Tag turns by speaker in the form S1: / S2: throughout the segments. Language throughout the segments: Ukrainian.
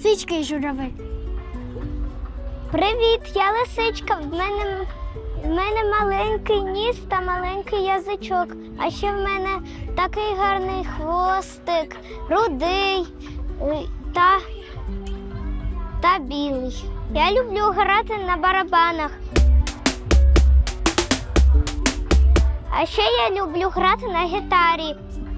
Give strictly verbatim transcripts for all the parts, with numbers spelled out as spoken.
S1: Лисичка і журавель.
S2: Привіт, я лисичка. В мене, в мене маленький ніс та маленький язичок. А ще в мене такий гарний хвостик, рудий е, та, та білий. Я люблю грати на барабанах. А ще я люблю грати на гітарі.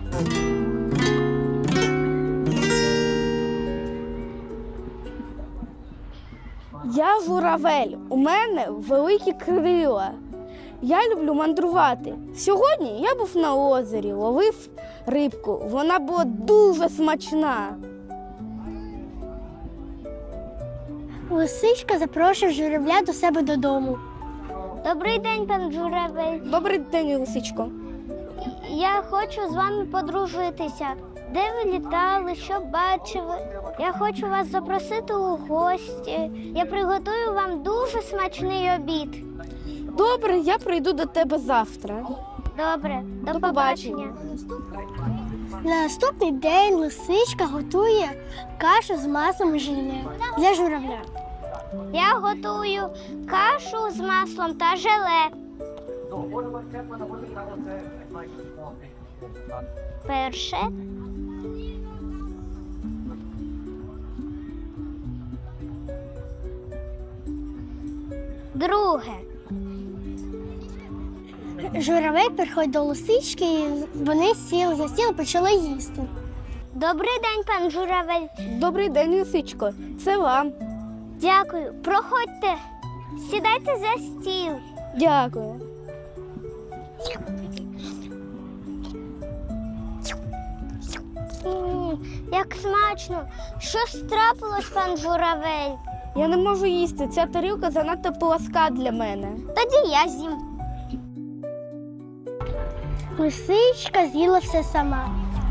S3: Я журавель, у мене великі крила. Я люблю мандрувати. Сьогодні я був на озері, ловив рибку. Вона була дуже смачна.
S1: Лисичка запрошує журавля до себе додому.
S2: Добрий день, пан журавель.
S3: Добрий день, лисичко.
S2: Я хочу з вами подружитися. Де ви літали, що бачили? Я хочу вас запросити у гості. Я приготую вам дуже смачний обід.
S3: Добре, я прийду до тебе завтра.
S2: Добре, до,
S3: До
S2: побачення.
S1: На наступний день лисичка готує кашу з маслом і желе для журавля.
S2: Я готую кашу з маслом та желе. Перше. Друге.
S1: Журавель приходить до лисички, і вони сіли за стіл і почали їсти.
S2: Добрий день, пан журавель.
S3: Добрий день, лисичко. Це вам.
S2: Дякую. Проходьте. Сідайте за стіл.
S3: Дякую.
S2: М, Як смачно. Що ж трапилось, пан журавель?
S3: Я не можу їсти. Ця тарілка занадто пласка для мене.
S2: Тоді я з'їм.
S1: Лисичка з'їла все сама.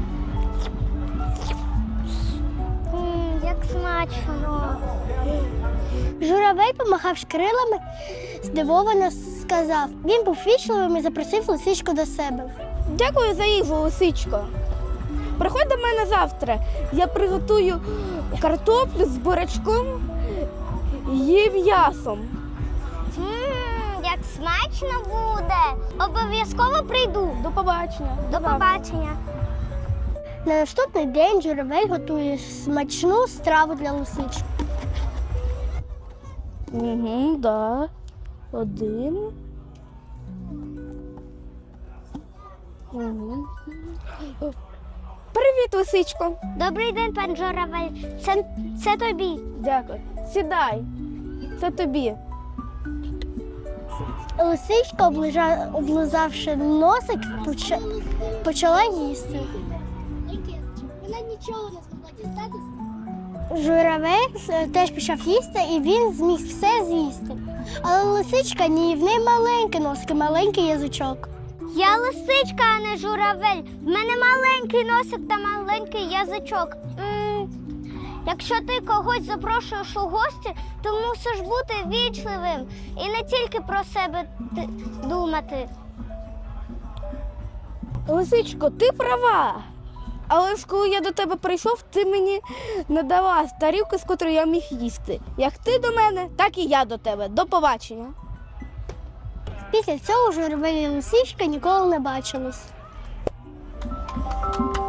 S2: М, Як смачно.
S1: Журавель помахав крилами, здивовано сказав. Він був вічливим і запросив лисичку до себе.
S3: Дякую за їжу, лисичко. Приходь до мене завтра. Я приготую картоплю з бурячком і м'ясом.
S2: М, Як смачно буде. Обов'язково прийду.
S3: До побачення.
S2: До побачення.
S1: На наступний день журавель готує смачну страву для лисички.
S3: Угу, да. Один. Угу. Привіт, лисичко.
S2: Добрий день, пан журавель. Це, це тобі.
S3: Дякую. Сідай. Це тобі.
S1: Лисичка, оближа- облизавши носик, поча- почала їсти.
S4: Вона нічого не змогла дістатися.
S1: Журавель е, теж почав їсти, і він зміг все з'їсти. Але лисичка ні, в неї маленький носик, і маленький язичок.
S2: Я лисичка, а не журавель. В мене маленький носик та маленький язичок. М, Якщо ти когось запрошуєш у гості, то мусиш бути вічливим і не тільки про себе ти- думати.
S3: Лисичко, ти права. Але ж коли я до тебе прийшов, ти мені не дала тарілки, з котрої я міг їсти. Як ти до мене, так і я до тебе. До побачення.
S1: Після цього журавель і лисичка ніколи не бачились.